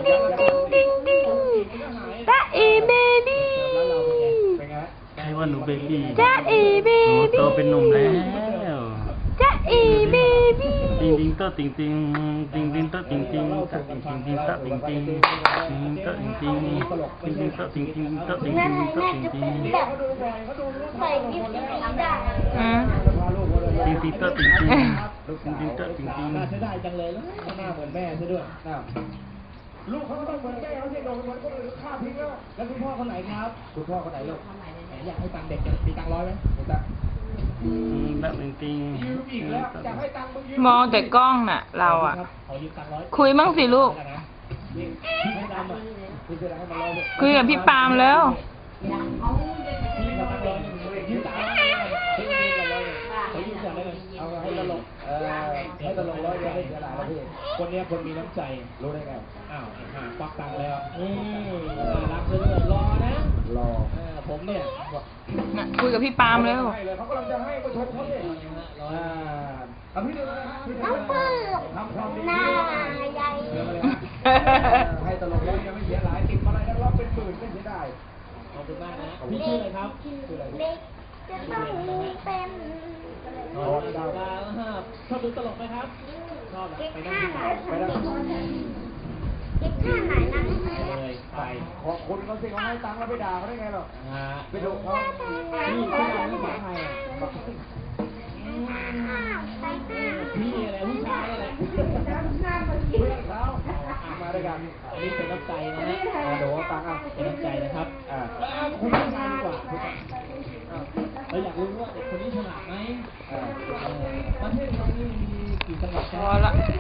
ดิ้งดิ้งดิ้งดิ้งจ๊ะเอเบบี้ใช่ว่าหนูเบบี้จ๊ะเอเบหนูบี้โตเป็นหนุ่มแล้วจ๊ะเอเบบี้ติงติงโตติงติงติงติงโตติงติงโตติงติงติงโตติงติงโตติงติงติงติงโตติงติงโตติงแม่ติงโตแม่ติงจะติเป็งนแบบใส่กิ๊บสีดำอืมติงติงโตติงติงติงติงโตติงติงน่าเสียดายจังเลยแล้วหน้าเหมือนแม่ซะด้วยลูกเขาก็ต้องเหมือนแม่เขาสิโดนเหมือนคนอื่นฆ่าทิ้งแล้วคุณพ่อคนไหนครับคุณพ่อคนไหนลูกอยากให้ตังค์เด็กมีตังค์100ไหมมีตังค์แบบติงติงยืมอีกแล้วอยากให้ตังค์มึงยืมมองแต่กล้องน่ะ เราอ่ะขอยืมตังค์100 คุยบ้างสิลูกพี่ให้ดำอ่ะพี่จะได้ให้มัน100เลยคุยกับพี่ปาล์มแล้วพี่ขอตังค์100ยืมตังค์พี่ยืม100เลยขอยืมก่อนได้ไหมเอาให้ตลกให้ตลก100ให้เสียหลายแล้วพี่คนนี้คนมีน้ำใจรู้ได้ไงอ้าวควักตังค์แล้วนี่น่ารักซะด้วยรอนะรอผมเนี่ยน่ะคุยกับพี่ปาล์มแล้วเขากำลังจะให้ประชมเขาเนี่ยพี่ดูนะน้ำปื้มหน้าใหญ่ให้ตลกแล้วยังไม่เสียหลายติดมาอะไรแล้วเป็นหมื่นไม่เสียดายขอบคุณมากนะพี่ชื่ออะไรครับเด็กจะต้องเป็นชอบดูตลกไหมครับชอบไปนั่งไปนั่งเด็กท่าไหนนะเลยไปขอบคุณเขาสิเขาให้ตังค์แล้วไปด่าเขาได้ไงหรอไปดูเขาพี่ชื่ออะไรภาษาไทยพี่อะไรผู้ชายอะไรเพื่อนเขามาด้วยกันอันนี้เป็นน้ำใจนะฮะเดี๋ยวตังค์เป็นน้ำใจนะครับคุณผู้ชายดีกว่าเราอยากรู้ว่าเด็กคนนี้ฉลาดไหมประเทศเรานี่มีกี่จังหวัดพอละ